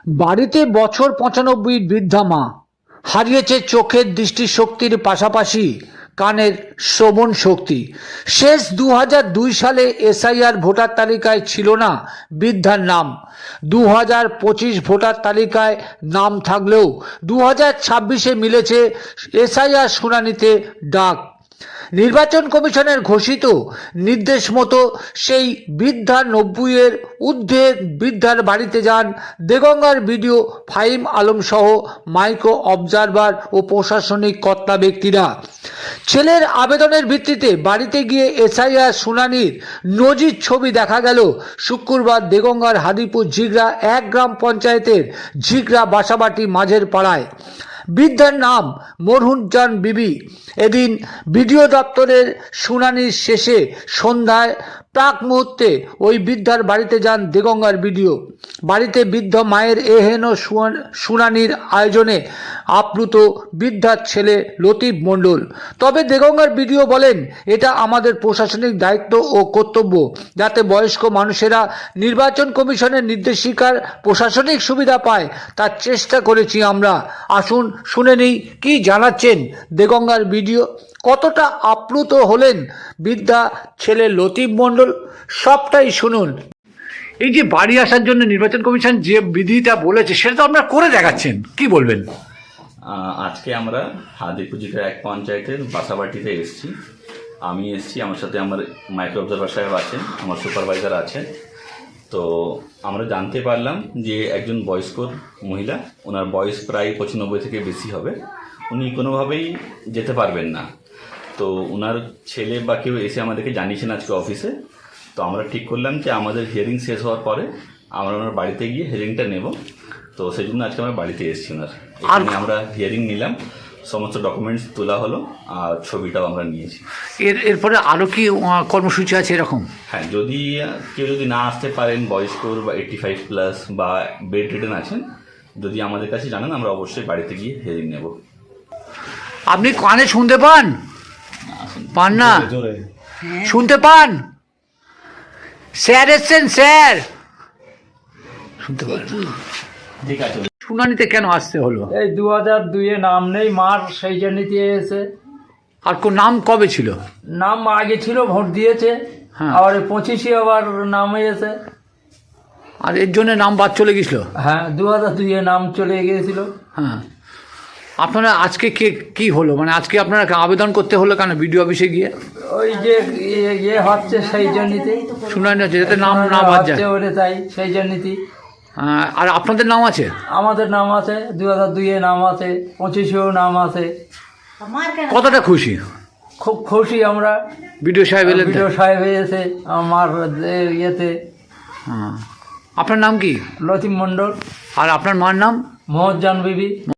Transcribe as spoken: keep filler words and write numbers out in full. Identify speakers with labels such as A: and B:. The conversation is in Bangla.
A: বাড়িতে বছর পঁচানব্বই বৃদ্ধা মা হারিয়েছে চোখের দৃষ্টিশক্তির পাশাপাশি কানের শ্রবণ শক্তি। শেষ দু হাজার দুই সালে এসআইআর ভোটার তালিকায় ছিল না বৃদ্ধার নাম। দু হাজার পঁচিশ ভোটার তালিকায় নাম থাকলেও দু হাজার ছাব্বিশে মিলেছে এসআইআর শুনানিতে ডাক। নির্বাচন কমিশনের ঘোষিত নির্দেশ মতো সেই বৃদ্ধা নব্বইয়ের ঊর্ধ্বে বৃদ্ধার বাড়িতে যান দেগঙ্গার বিডিও ফাহিম আলম সহ মাইক্রো অবজারভার ও প্রশাসনিক কর্তা ব্যক্তিরা। ছেলের আবেদনের ভিত্তিতে বাড়িতে গিয়ে এসআইআর শুনানির নজির ছবি দেখা গেল শুক্রবার দেগঙ্গার হাদিপুর ঝিগড়া এক গ্রাম পঞ্চায়েতের ঝিগড়া বাসাবাটি মাঝের পাড়ায়। বৃদ্ধার নাম মরহুজান বিবি। এদিন বিডিও দপ্তরের শুনানির শেষে সন্ধ্যায় প্রাক মুহূর্তে ওই বৃদ্ধার বাড়িতে যান দেগঙ্গার বিডিও। বাড়িতে বৃদ্ধ মায়ের এহেন শুনানির আয়োজনে আপ্লুত বৃদ্ধার ছেলে লতিফ মণ্ডল। তবে দেগঙ্গার বিডিও বলেন, এটা আমাদের প্রশাসনিক দায়িত্ব ও কর্তব্য যাতে বয়স্ক মানুষেরা নির্বাচন কমিশনের নির্দেশিকার প্রশাসনিক সুবিধা পায়, তার চেষ্টা করেছি আমরা। আসুন শুনে নেই কি জানাচ্ছেন দেগঙ্গার বিডিও, কতটা আপ্লুত হলেন বৃদ্ধা ছেলে লতিফ মণ্ডল, সবটাই শুনুন। এই যে বাড়ি আসার জন্য নির্বাচন কমিশন যে বিধিটা বলেছে সেটা তো আপনারা করে দেখাচ্ছেন, কি বলবেন?
B: আজকে আমরা হাদিপুর ঝিগড়া এক পঞ্চায়েতের বাসাবাটিতে এসেছি। আমি এসেছি, আমার সাথে আমার মাইক্রো অবজারভার সাহেব আছেন, আমার সুপারভাইজার আছেন। তো আমরা জানতে পারলাম যে একজন বয়স্ক মহিলা, ওনার বয়স প্রায় পঁচানব্বই থেকে বেশি হবে, উনি কোনোভাবেই যেতে পারবেন না। তো ওনার ছেলে বা কেউ এসে আমাদেরকে জানিয়েছেন আজকে অফিসে। তো আমরা ঠিক করলাম যে আমাদের হিয়ারিং শেষ হওয়ার পরে আমরা ওনার বাড়িতে গিয়ে হিয়ারিংটা নেব। তো সেই জন্য আজকে আমরা বাড়িতে এসেছি ওনার। এখানে আমরা হিয়ারিং নিলাম, সমস্ত ডকুমেন্টস তোলা হলো আর ছবিটাও আমরা নিয়েছি।
A: এর এরপরে আরও কি কর্মসূচি আছে এরকম?
B: হ্যাঁ, যদি কেউ যদি না আসতে পারেন, বয়স্ক বা এইটটি ফাইভ প্লাস বা বেড রিডেন আছেন, যদি আমাদের কাছে জানান আমরা অবশ্যই বাড়িতে গিয়ে হিয়ারিং নেব।
A: আপনি কানে শুনতে পান? পান না? শুনতে পান? স্যার এসছেন, স্যার শুনতে পান?
B: ঠিক আছে।
A: শুনানিতে কেন আসতে হলো?
C: এই দু হাজার দুইয়ে নাম নেই মার, সেই জন্যতে এসে।
A: আর কোন নাম কবে ছিল?
C: নাম আগে ছিল, ভোট দিয়েছে,
A: হ্যাঁ।
C: আবার পঁচিশে আবার নাম এসে।
A: আর এর জন্য নাম বাদ চলে গেছিল?
C: হ্যাঁ, দু হাজার দুইয়ে নাম চলে গিয়েছিল।
A: হ্যাঁ, আপনারা আজকে কে কি হলো, মানে আজকে আপনারা আবেদন করতে হলো কেন বিডিও অফিসে গিয়ে?
C: ওই যে ইয়ে- ইয়ে হচ্ছে সেই জন্যতে
A: শুনানি হচ্ছে যাতে নাম না বাদ যায়,
C: হচ্ছে ওরে, তাই সেই জন্যতে।
A: আহ, আর আপনাদের নাম আছে?
C: আমাদের নাম আছে, দু হাজার দুইয়ে নাম আছে, পঁচিশেও নাম আছে।
A: কতটা খুশি?
C: খুব খুশি আমরা।
A: বিডিও সাহেব এলেন তো?
C: বিডিও সাহেব এসে আমার ইয়েতে।
A: হ্যাঁ। আপনার নাম কি?
C: লতিফ মণ্ডল।
A: আর আপনার মার নাম?
C: মরহুজান বিবি।